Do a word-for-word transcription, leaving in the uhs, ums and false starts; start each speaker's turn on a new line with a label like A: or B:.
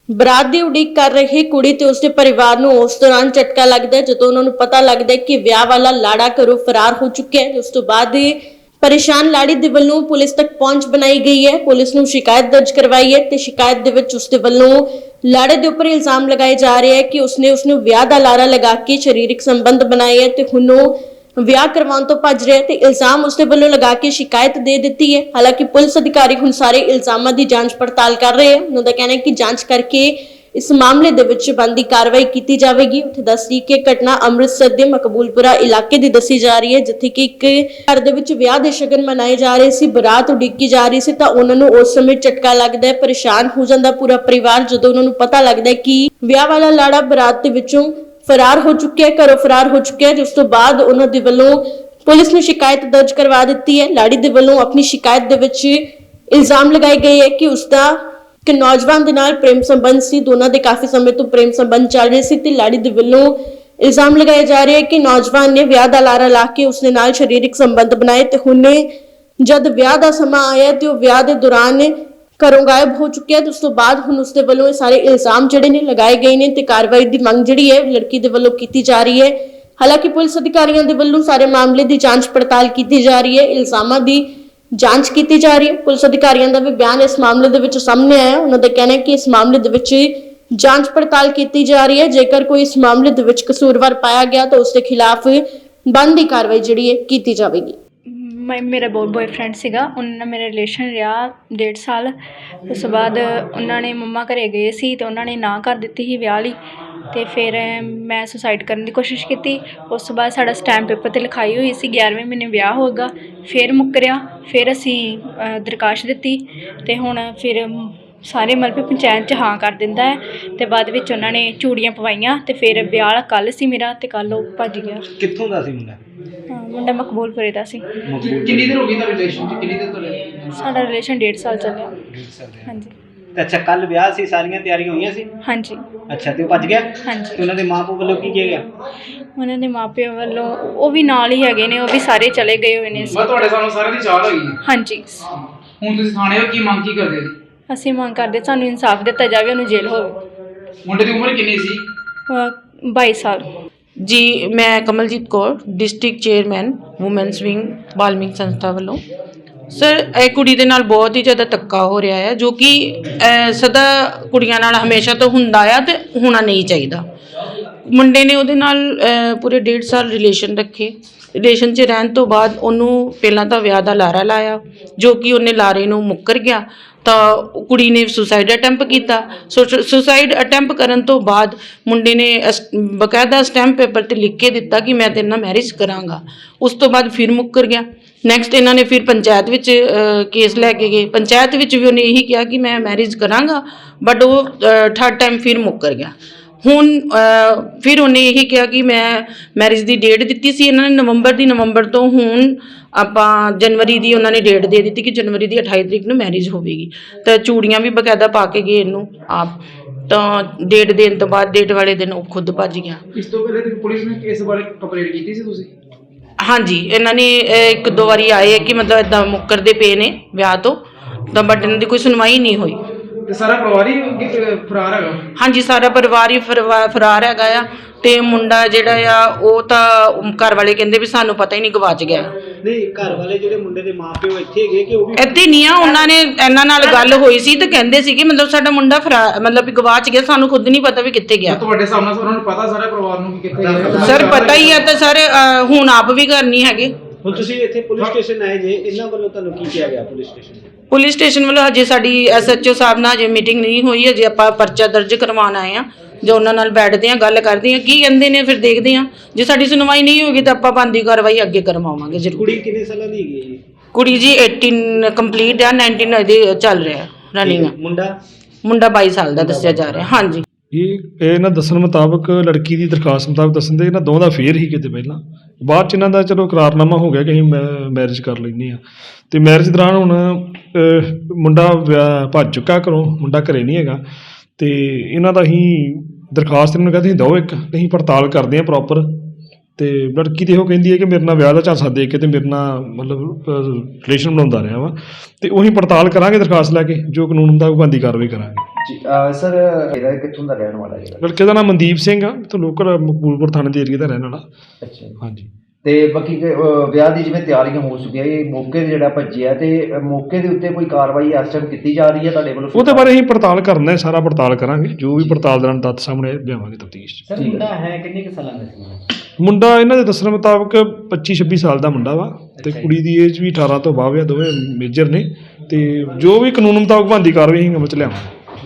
A: ਬਰਾਤ ਦੀ ਉਡੀਕ ਕਰ ਰਹੀ ਕੁੜੀ ਤੇ ਉਸਦੇ ਪਰਿਵਾਰ ਨੂੰ ਉਸ ਦੌਰਾਨ ਝਟਕਾ ਲੱਗਦਾ ਹੈ ਜਦੋਂ ਉਹਨਾਂ ਨੂੰ ਪਤਾ ਲੱਗਦਾ ਹੈ ਕਿ ਵਿਆਹ ਵਾਲਾ ਲਾੜਾ ਘਰੋਂ ਫਰਾਰ ਹੋ ਚੁੱਕਿਆ ਹੈ। ਉਸ ਤੋਂ ਬਾਅਦ ਪਰੇਸ਼ਾਨ ਲਾੜੀ ਦੇ ਵੱਲੋਂ ਪੁਲਿਸ ਤੱਕ ਪਹੁੰਚ ਬਣਾਈ ਗਈ ਹੈ। ਪੁਲਿਸ ਨੂੰ ਸ਼ਿਕਾਇਤ ਦਰਜ ਕਰਵਾਈ ਹੈ ਤੇ ਸ਼ਿਕਾਇਤ ਦੇ ਵਿੱਚ ਉਸਦੇ ਵੱਲੋਂ ਲਾੜੇ ਦੇ ਉੱਪਰ ਇਲਜ਼ਾਮ ਲਗਾਏ ਜਾ ਰਹੇ ਹੈ ਕਿ ਉਸਨੇ ਉਸਨੂੰ ਵਿਆਹ ਦਾ ਲਾਰਾ ਲਗਾ ਕੇ ਸਰੀਰਕ ਸੰਬੰਧ ਬਣਾਏ ਹੈ ਤੇ ਹੁਣ ਉਹ ਵਿਆਹ ਕਰਵਾਉਣ ਤੋਂ ਭੱਜ ਰਿਹਾ ਤੇ ਇਲਜ਼ਾਮ ਉਸਦੇ ਵੱਲੋਂ ਲਗਾ ਕੇ ਸ਼ਿਕਾਇਤ ਦੇ ਦਿੱਤੀ ਹੈ। ਹਾਲਾਂਕਿ ਪੁਲਿਸ ਅਧਿਕਾਰੀ ਹੁਣ ਸਾਰੇ ਇਲਜ਼ਾਮਾਂ ਦੀ ਜਾਂਚ ਪੜਤਾਲ ਕਰ ਰਹੇ ਹਨ। ਉਹਨਾਂ ਦਾ ਕਹਿਣਾ ਹੈ ਕਿ ਜਾਂਚ ਕਰਕੇ ਇਸ ਮਾਮਲੇ ਦੇ ਵਿੱਚ ਬਣਦੀ ਕਾਰਵਾਈ ਕੀਤੀ ਜਾਵੇਗੀ। ਉੱਥੇ ਦੱਸਦੀ ਕਿ ਘਟਨਾ ਅੰਮ੍ਰਿਤਸਰ ਦੇ ਮਕਬੂਲਪੁਰਾ ਇਲਾਕੇ ਦੀ ਦੱਸੀ ਜਾ ਰਹੀ ਹੈ, ਜਿੱਥੇ ਕਿ ਇੱਕ ਘਰ ਦੇ ਵਿੱਚ ਵਿਆਹ ਦੇ ਸ਼ਗਨ ਮਨਾਏ ਜਾ ਰਹੇ ਸੀ, ਬਰਾਤ ਉਡੀਕੀ ਜਾ ਰਹੀ ਸੀ ਤਾਂ ਉਹਨਾਂ ਨੂੰ ਉਸ ਸਮੇਂ ਝਟਕਾ ਲੱਗਦਾ ਹੈ, ਪਰੇਸ਼ਾਨ ਹੋ ਜਾਂਦਾ ਪੂਰਾ ਪਰਿਵਾਰ ਜਦੋਂ ਉਹਨਾਂ ਨੂੰ ਪਤਾ ਲੱਗਦਾ ਹੈ ਕਿ ਵਿਆਹ ਵਾਲਾ ਲਾੜਾ ਬਰਾਤ ਦੇ ਵਿੱਚੋਂ ਫਰਾਰ ਹੋ ਚੁੱਕਿਆ ਹੈ, ਘਰੋਂ ਫਰਾਰ ਹੋ ਚੁੱਕਿਆ ਹੈ। ਜਿਸ ਤੋਂ ਬਾਅਦ ਉਹਨਾਂ ਦੇ ਵੱਲੋਂ ਪੁਲਿਸ ਨੂੰ ਸ਼ਿਕਾਇਤ ਦਰਜ ਕਰਵਾ ਦਿੱਤੀ ਹੈ। ਲਾੜੀ ਦੇ ਵੱਲੋਂ ਆਪਣੀ ਸ਼ਿਕਾਇਤ ਦੇ ਵਿੱਚ ਇਲਜ਼ਾਮ ਲਗਾਏ ਗਏ ਹੈ ਕਿ ਉਸਦਾ ਕਿ ਨੌਜਵਾਨ ਦੇ ਨਾਲ ਪ੍ਰੇਮ ਸੰਬੰਧ ਸੀ, ਦੋਨਾਂ ਦੇ ਕਾਫੀ ਸਮੇਂ ਤੋਂ ਪ੍ਰੇਮ ਸੰਬੰਧ ਚੱਲ ਰਹੇ ਸੀ ਤੇ ਲਾੜੀ ਦੇ ਵੱਲੋਂ ਇਲਜ਼ਾਮ ਲਗਾਏ ਜਾ ਰਹੇ ਹੈ ਕਿ ਨੌਜਵਾਨ ਨੇ ਵਿਆਹ ਦਾ ਲਾਰਾ ਲਾ ਕੇ ਉਸਦੇ ਨਾਲ ਸਰੀਰਕ ਸੰਬੰਧ ਬਣਾਏ ਤੇ ਹੁਣੇ ਜਦ ਵਿਆਹ ਦਾ ਸਮਾਂ ਆਇਆ ਤੇ ਉਹ ਵਿਆਹ ਦੇ ਦੌਰਾਨ ਘਰੋਂ ਗਾਇਬ ਹੋ ਚੁੱਕਿਆ ਤੇ ਉਸ ਤੋਂ ਬਾਅਦ ਹੁਣ ਉਸਦੇ ਵੱਲੋਂ ਇਹ ਸਾਰੇ ਇਲਜ਼ਾਮ ਜਿਹੜੇ ਨੇ ਲਗਾਏ ਗਏ ਨੇ ਤੇ ਕਾਰਵਾਈ ਦੀ ਮੰਗ ਜਿਹੜੀ ਹੈ ਲੜਕੀ ਦੇ ਵੱਲੋਂ ਕੀਤੀ ਜਾ ਰਹੀ ਹੈ। ਹਾਲਾਂਕਿ ਪੁਲਿਸ ਅਧਿਕਾਰੀਆਂ ਦੇ ਵੱਲੋਂ ਸਾਰੇ ਮਾਮਲੇ ਦੀ ਜਾਂਚ ਪੜਤਾਲ ਕੀਤੀ ਜਾ ਰਹੀ ਹੈ, ਇਲਜ਼ਾਮਾਂ ਦੀ ਜਾਂਚ ਕੀਤੀ ਜਾ ਰਹੀ ਹੈ। ਪੁਲਿਸ ਅਧਿਕਾਰੀਆਂ ਦਾ ਵੀ ਬਿਆਨ ਇਸ ਮਾਮਲੇ ਦੇ ਵਿੱਚ ਸਾਹਮਣੇ ਆਇਆ। ਉਹਨਾਂ ਦਾ ਕਹਿਣਾ ਹੈ ਕਿ ਇਸ ਮਾਮਲੇ ਦੇ ਵਿੱਚ ਜਾਂਚ ਪੜਤਾਲ ਕੀਤੀ ਜਾ ਰਹੀ ਹੈ। ਜੇਕਰ ਕੋਈ ਇਸ ਮਾਮਲੇ ਦੇ ਵਿੱਚ ਕਸੂਰਵਾਰ ਪਾਇਆ ਗਿਆ ਤਾਂ ਉਸ ਦੇ ਖਿਲਾਫ ਬਣਦੀ ਕਾਰਵਾਈ ਜਿਹੜੀ ਹੈ ਕੀਤੀ ਜਾਵੇਗੀ।
B: ਮੈਂ ਮੇਰਾ ਬਹੁਤ ਬॉयਫ੍ਰੈਂਡ ਸੀਗਾ, ਉਹਨਾਂ ਨਾਲ ਮੇਰਾ ਰਿਲੇਸ਼ਨ ਰਿਹਾ ਡੇਢ ਸਾਲ। ਉਸ ਤੋਂ ਬਾਅਦ ਉਹਨਾਂ ਨੇ ਮੰਮਾ ਘਰੇ ਗਏ ਸੀ ਤੇ ਉਹਨਾਂ ਨੇ ਨਾ ਕਰ ਦਿੱਤੀ ਸੀ ਵਿਆਹ ਲਈ ਤੇ ਫਿਰ ਮੈਂ ਸੁਸਾਈਡ ਕਰਨ ਦੀ ਕੋਸ਼ਿਸ਼ ਕੀਤੀ। ਉਸ ਤੋਂ ਬਾਅਦ ਸਾਡਾ ਸਟੈਂਪ ਪੇਪਰ 'ਤੇ ਲਿਖਾਈ ਹੋਈ ਸੀ ਗਿਆਰਵੇਂ ਮਹੀਨੇ ਵਿਆਹ ਹੋਏਗਾ, ਫਿਰ ਮੁੱਕਰਿਆ। ਫਿਰ ਅਸੀਂ ਦਰਖਾਸਤ ਦਿੱਤੀ ਤੇ ਹੁਣ ਫਿਰ ਸਾਰੇ ਮਤਲਬ ਪੰਚਾਇਤ 'ਚ ਹਾਂ ਕਰ ਦਿੰਦਾ ਹੈ ਤੇ ਬਾਅਦ ਵਿੱਚ ਉਹਨਾਂ ਨੇ ਚੂੜੀਆਂ ਪਵਾਈਆਂ ਤੇ ਫਿਰ ਵਿਆਹ ਕੱਲ੍ਹ ਸੀ ਮੇਰਾ ਤੇ ਕੱਲ੍ਹ ਉਹ ਭੱਜ ਗਿਆ।
C: ਕਿੱਥੋਂ ਦਾ ਸੀ ਮੁੰਡਾ?
B: ਮੁੰਡਾ ਮਕਬੂਲਪੁਰੇ ਦਾ ਸੀ।
C: ਕਿੰਨੀ ਦੇਰ ਹੋ ਗਈ ਤੁਹਾਡੇ ਰਿਲੇਸ਼ਨ ਚ? ਕਿੰਨੀ ਦੇਰ ਤੋਂ ਰਹੇ?
B: ਸਾਡਾ ਰਿਲੇਸ਼ਨ ਡੇਢ ਸਾਲ ਚੱਲਿਆ।
C: ਡੇਢ ਸਾਲ ਦੇ।
B: ਹਾਂਜੀ।
C: ਤੇ ਅੱਛਾ, ਕੱਲ ਵਿਆਹ ਸੀ, ਸਾਰੀਆਂ ਤਿਆਰੀਆਂ ਹੋਈਆਂ ਸੀ?
B: ਹਾਂਜੀ।
C: ਅੱਛਾ, ਤੇ ਉਹ ਭੱਜ ਗਿਆ?
B: ਹਾਂਜੀ।
C: ਤੇ ਉਹਨਾਂ ਦੇ ਮਾਪੇ ਵੱਲੋਂ ਕੀ ਕਿਹਾ ਗਿਆ?
B: ਉਹਨਾਂ ਦੇ ਮਾਪਿਆਂ ਵੱਲੋਂ ਉਹ ਵੀ ਨਾਲ ਹੀ ਹੈਗੇ ਨੇ, ਉਹ ਵੀ ਸਾਰੇ ਚਲੇ ਗਏ ਹੋਏ ਨੇ।
D: ਮੈਂ ਤੁਹਾਡੇ ਸਾਹਮਣੇ ਸਾਰਿਆਂ ਦੀ ਚਾਲ ਹੋਈ।
B: ਹਾਂਜੀ।
D: ਹੁਣ ਤੁਸੀਂ ਥਾਣੇ ਹੋ, ਕੀ ਮੰਗ ਕੀ ਕਰਦੇ ਜੀ?
B: ਅਸੀਂ ਮੰਗ ਕਰਦੇ ਸਾਨੂੰ ਇਨਸਾਫ ਦਿੱਤਾ ਜਾਵੇ, ਉਹਨੂੰ ਜੇਲ੍ਹ ਹੋਵੇ।
D: ਮੁੰਡੇ ਦੀ ਉਮਰ ਕਿੰਨੀ ਸੀ?
B: ਬਾਈ ਸਾਲ।
E: ਜੀ, ਮੈਂ Kamaljit Kaur, district chairman women's wing Balmik ਸੰਸਥਾ ਵੱਲੋਂ। ਸਰ, ਇਹ ਕੁੜੀ ਦੇ ਨਾਲ ਬਹੁਤ ਹੀ ਜ਼ਿਆਦਾ ਧੱਕਾ ਹੋ ਰਿਹਾ ਹੈ, ਜੋ ਕਿ ਸਦਾ ਕੁੜੀਆਂ ਨਾਲ ਹਮੇਸ਼ਾ ਤੋਂ ਹੁੰਦਾ ਆ ਤੇ ਹੋਣਾ ਨਹੀਂ ਚਾਹੀਦਾ। ਮੁੰਡੇ ਨੇ ਉਹਦੇ ਨਾਲ ਪੂਰੇ ਡੇਢ ਸਾਲ ਰਿਲੇਸ਼ਨ ਰੱਖੇ। ਰਿਲੇਸ਼ਨ 'ਚ ਰਹਿਣ ਤੋਂ ਬਾਅਦ ਉਹਨੂੰ ਪਹਿਲਾਂ ਤਾਂ ਵਿਆਹ ਦਾ ਲਾਰਾ ਲਾਇਆ, ਜੋ ਕਿ ਉਹਨੇ ਲਾਰੇ ਨੂੰ ਮੁੱਕਰ ਗਿਆ ਤਾਂ ਕੁੜੀ ਨੇ ਸੁਸਾਈਡ ਅਟੈਂਪ ਕੀਤਾ। ਸੁਸਾਈਡ ਅਟੈਂਪ ਕਰਨ ਤੋਂ ਬਾਅਦ ਮੁੰਡੇ ਨੇ ਬਕਾਇਦਾ ਸਟੈਂਪ ਪੇਪਰ 'ਤੇ ਲਿਖ ਕੇ ਦਿੱਤਾ ਕਿ ਮੈਂ ਤੇਰੇ ਨਾਲ ਮੈਰਿਜ ਕਰਾਂਗਾ। ਉਸ ਤੋਂ ਬਾਅਦ ਫਿਰ ਮੁੱਕਰ ਗਿਆ। ਨੈਕਸਟ ਇਹਨਾਂ ਨੇ ਫਿਰ ਪੰਚਾਇਤ ਵਿੱਚ ਕੇਸ ਲੈ ਕੇ ਗਏ। ਪੰਚਾਇਤ ਵਿੱਚ ਵੀ ਉਹਨੇ ਇਹੀ ਕਿਹਾ ਕਿ ਮੈਂ ਮੈਰਿਜ ਕਰਾਂਗਾ, ਬਟ ਉਹ ਥਰਡ ਟਾਈਮ ਫਿਰ ਮੁੱਕਰ ਗਿਆ। ਹੁਣ ਫਿਰ ਉਹਨੇ ਇਹੀ ਕਿਹਾ ਕਿ ਮੈਂ ਮੈਰਿਜ ਦੀ ਡੇਟ ਦਿੱਤੀ ਸੀ ਇਹਨਾਂ ਨੇ ਨਵੰਬਰ ਦੀ, ਨਵੰਬਰ ਤੋਂ ਹੁਣ ਆਪਾਂ ਜਨਵਰੀ ਦੀ ਉਹਨਾਂ ਨੇ ਡੇਟ ਦੇ ਦਿੱਤੀ ਕਿ ਜਨਵਰੀ ਦੀ ਅਠਾਈ ਤਰੀਕ ਨੂੰ ਮੈਰਿਜ ਹੋਵੇਗੀ। ਤਾਂ ਚੂੜੀਆਂ ਵੀ ਬਕਾਇਦਾ ਪਾ ਕੇ ਗਏ ਇਹਨੂੰ ਆਪ। ਤਾਂ ਡੇਟ ਦੇਣ ਤੋਂ ਬਾਅਦ ਡੇਟ ਵਾਲੇ ਦਿਨ ਉਹ ਖੁਦ ਭੱਜ ਗਿਆ।
D: ਇਸ ਤੋਂ ਪਹਿਲੇ ਤੇ ਪੁਲਿਸ ਨੇ ਇਸ ਬਾਰੇ ਕੰਪਲੇਂਟ ਕੀਤੀ ਸੀ ਤੁਸੀਂ?
E: ਹਾਂਜੀ, ਇਹਨਾਂ ਨੇ ਇੱਕ ਦੋ ਵਾਰੀ ਆਏ ਹੈ ਕਿ ਮਤਲਬ ਇੱਦਾਂ ਮੁੱਕਰਦੇ ਪਏ ਨੇ ਵਿਆਹ ਤੋਂ, ਤਾਂ ਬਟ ਇਹਨਾਂ ਦੀ ਕੋਈ ਸੁਣਵਾਈ ਨਹੀਂ ਹੋਈ।
D: ਤੇ ਸਾਰਾ ਪਰਿਵਾਰ ਹੀ ਫਰਾਰ ਹੈਗਾ?
E: ਹਾਂਜੀ, ਸਾਰਾ ਪਰਿਵਾਰ ਹੀ ਫਰਾਰ ਹੈਗਾ ਆ। ਤੇ ਮੁੰਡਾ ਜਿਹੜਾ ਆ ਉਹ ਤਾਂ ਘਰ ਵਾਲੇ ਕਹਿੰਦੇ ਵੀ ਸਾਨੂੰ ਪਤਾ ਹੀ ਨਹੀਂ, ਗਵਾਚ ਗਿਆ।
C: ਨਹੀਂ, ਘਰ ਵਾਲੇ ਜਿਹੜੇ ਮੁੰਡੇ ਦੇ ਮਾਪੇ ਉਹ ਇੱਥੇ ਹੈਗੇ ਕਿ ਉਹ ਵੀ
E: ਇੱਥੇ ਨਹੀਂ ਆ? ਉਹਨਾਂ ਨੇ ਇਹਨਾਂ ਨਾਲ ਗੱਲ ਹੋਈ ਸੀ ਤੇ ਕਹਿੰਦੇ ਸੀ ਕਿ ਮਤਲਬ ਸਾਡਾ ਮੁੰਡਾ ਫਰਾ ਮਤਲਬ ਵੀ ਗਵਾਚ ਗਿਆ, ਸਾਨੂੰ ਖੁਦ ਨਹੀਂ ਪਤਾ ਵੀ ਕਿੱਥੇ ਗਿਆ।
D: ਤੁਹਾਡੇ ਸਾਹਮਣੇ ਉਹਨਾਂ ਨੂੰ ਪਤਾ ਸਾਰੇ ਪਰਿਵਾਰ ਨੂੰ ਕਿ ਕਿੱਥੇ ਗਿਆ?
E: ਸਰ, ਪਤਾ ਹੀ ਹੈ ਤਾਂ ਸਰ ਹੁਣ ਆਪ ਵੀ ਘਰ ਨਹੀਂ ਹੈਗੇ।
C: ਹੁਣ ਤੁਸੀਂ ਇੱਥੇ ਪੁਲਿਸ ਸਟੇਸ਼ਨ ਆਏ ਜੇ, ਇਹਨਾਂ ਵੱਲੋਂ ਤੁਹਾਨੂੰ ਕੀ ਕਿਹਾ ਗਿਆ ਪੁਲਿਸ ਸਟੇਸ਼ਨ?
E: ਪੁਲਿਸ ਸਟੇਸ਼ਨ ਵੱਲੋਂ ਹਜੇ ਸਾਡੀ ਐਸ ਐਚ ਓ ਸਾਹਿਬ ਨਾਲ ਹਜੇ ਮੀਟਿੰਗ ਨਹੀਂ ਹੋਈ। ਹਜੇ ਆਪਾਂ ਪਰਚਾ ਦਰਜ ਕਰਵਾਉਣ ਆਏ ਹਾਂ, ਜੋ ਉਹਨਾਂ ਨਾਲ ਬੈਠਦੇ ਹਾਂ, ਗੱਲ ਕਰਦੇ ਹਾਂ, ਕੀ ਕਹਿੰਦੇ ਨੇ ਫਿਰ ਦੇਖਦੇ ਹਾਂ। ਜੇ ਸਾਡੀ ਸੁਣਵਾਈ ਨਹੀਂ ਹੋਗੀ ਤਾਂ ਆਪਾਂ ਬਣਦੀ ਕਾਰਵਾਈ ਅੱਗੇ ਕਰਵਾਵਾਂਗੇ ਜ਼ਰੂਰ।
C: ਕੁੜੀ ਕਿੰਨੇ ਸਾਲਾਂ ਦੀ ਹੈਗੀ ਜੀ?
E: ਕੁੜੀ ਜੀ ਅਠਾਰਾਂ ਕੰਪਲੀਟ ਆ, ਉਨੱਤੀ ਇਹਦੇ ਚੱਲ ਰਿਹਾ ਰਨਿੰਗ।
C: ਮੁੰਡਾ?
E: ਮੁੰਡਾ ਬਾਈ ਸਾਲ ਦਾ ਦੱਸਿਆ ਜਾ ਰਿਹਾ। ਹਾਂਜੀ।
F: ਇਹ ਇਹਨਾਂ ਦੱਸਣ ਮੁਤਾਬਕ, ਲੜਕੀ ਦੀ ਦਰਖਾਸਤ ਮੁਤਾਬਕ ਦੱਸਣ ਦੇ ਇਹਨਾਂ ਦੋਵਾਂ ਦਾ ਫੇਰ ਹੀ ਕਿਤੇ ਪਹਿਲਾਂ, ਬਾਅਦ 'ਚ ਇਹਨਾਂ ਦਾ ਚਲੋ ਇਕਰਾਰਨਾਮਾ ਹੋ ਗਿਆ ਕਿ ਅਸੀਂ ਮੈ ਮੈਰਿਜ ਕਰ ਲੈਂਦੇ ਹਾਂ। ਅਤੇ ਮੈਰਿਜ ਦੌਰਾਨ ਹੁਣ ਮੁੰਡਾ ਵਿਆਹ ਭੱਜ ਚੁੱਕਾ ਘਰੋਂ, ਮੁੰਡਾ ਘਰੇ ਨਹੀਂ ਹੈਗਾ। ਅਤੇ ਇਹਨਾਂ ਦਾ ਅਸੀਂ ਦਰਖਾਸਤ ਇਹਨਾਂ ਨੂੰ ਕਹਿੰਦੇ ਅਸੀਂ ਦਿਓ ਇੱਕ, ਅਸੀਂ ਪੜਤਾਲ ਕਰਦੇ ਹਾਂ ਪ੍ਰੋਪਰ ਤੇ ਲੜਕੀ ਤੇ ਉਹ ਕਹਿੰਦੀ ਹੈ ਕਿ ਮੇਰੇ ਨਾਲ ਵਿਆਹ ਦਾ ਝਾਂਸਾ ਦੇ ਕੇ ਤੇ ਮੇਰੇ ਨਾਲ ਮਤਲਬ ਰਿਲੇਸ਼ਨ ਬਣਾਉਂਦਾ ਰਿਹਾ ਵਾ ਤੇ ਉਹੀ ਪੜਤਾਲ ਕਰਾਂਗੇ ਦਰਖਾਸਤ ਲੈ ਕੇ ਜੋ ਕਾਨੂੰਨ ਮੁਤਾਬਕ ਬਣਦੀ ਕਾਰਵਾਈ ਕਰਾਂਗੇ।
G: ਜੀ ਸਰ ਇਹਦਾ ਕਿੱਥੋਂ ਦਾ ਰਹਿਣ ਵਾਲਾ ਜਿਹੜਾ?
F: ਲੜਕੇ ਦਾ ਨਾਮ ਮਨਦੀਪ ਸਿੰਘ ਆ ਤੇ ਲੋਕਲ ਮਕਬੂਲਪੁਰ ਥਾਣੇ ਦੇ ਏਰੀਆ ਦਾ ਰਹਿਣ ਵਾਲਾ।
G: ਅੱਛਾ ਜੀ।
F: ਹਾਂਜੀ।
G: ਤੇ ਬਾਕੀ ਕਿ, ਅਹ, ਵਿਆਹ ਦੀ ਜਿਵੇਂ ਤਿਆਰੀਆਂ ਹੋ ਚੁੱਕੀਆਂ, ਇਹ ਮੌਕੇ ਤੇ ਜਿਹੜਾ ਭੱਜਿਆ ਤੇ ਅਹ, ਮੌਕੇ ਦੇ ਉੱਤੇ ਕੋਈ ਕਾਰਵਾਈ ਇਸ ਟਾਈਮ ਕੀਤੀ ਜਾ ਰਹੀ ਹੈ ਤੁਹਾਡੇ ਵੱਲੋਂ?
F: ਉਹਦੇ ਬਾਰੇ ਅਸੀਂ ਪੜਤਾਲ ਕਰਨਾ ਹੈ, ਸਾਰਾ ਪੜਤਾਲ ਕਰਾਂਗੇ, ਜੋ ਵੀ ਪੜਤਾਲ ਦੌਰਾਨ ਤੱਥ ਸਾਹਮਣੇ ਲਿਆਵਾਂਗੇ ਤਫਤੀਸ਼ 'ਚ।
C: ਸਰ ਮੁੰਡਾ ਹੈ ਕਿੰਨੇ ਕੁ ਸਾਲਾਂ ਦਾ ਸੀ?
F: ਮੁੰਡਾ ਇਹਨਾਂ ਦੇ ਦੱਸਣ ਮੁਤਾਬਕ ਪੱਚੀ ਛੱਬੀ ਸਾਲ ਦਾ ਮੁੰਡਾ ਵਾ ਤੇ ਕੁੜੀ ਦੀ ਏਜ ਵੀ ਅਠਾਰਾਂ ਤੋਂ ਬਾਅਦ ਆ, ਦੋਵੇਂ ਮੇਜਰ ਨੇ ਤੇ ਜੋ ਵੀ ਕਾਨੂੰਨ ਮੁਤਾਬਕ ਬਣਦੀ ਕਾਰਵਾਈ ਅਸੀਂ ਅਮਲ 'ਚ ਲਿਆਵਾਂਗੇ।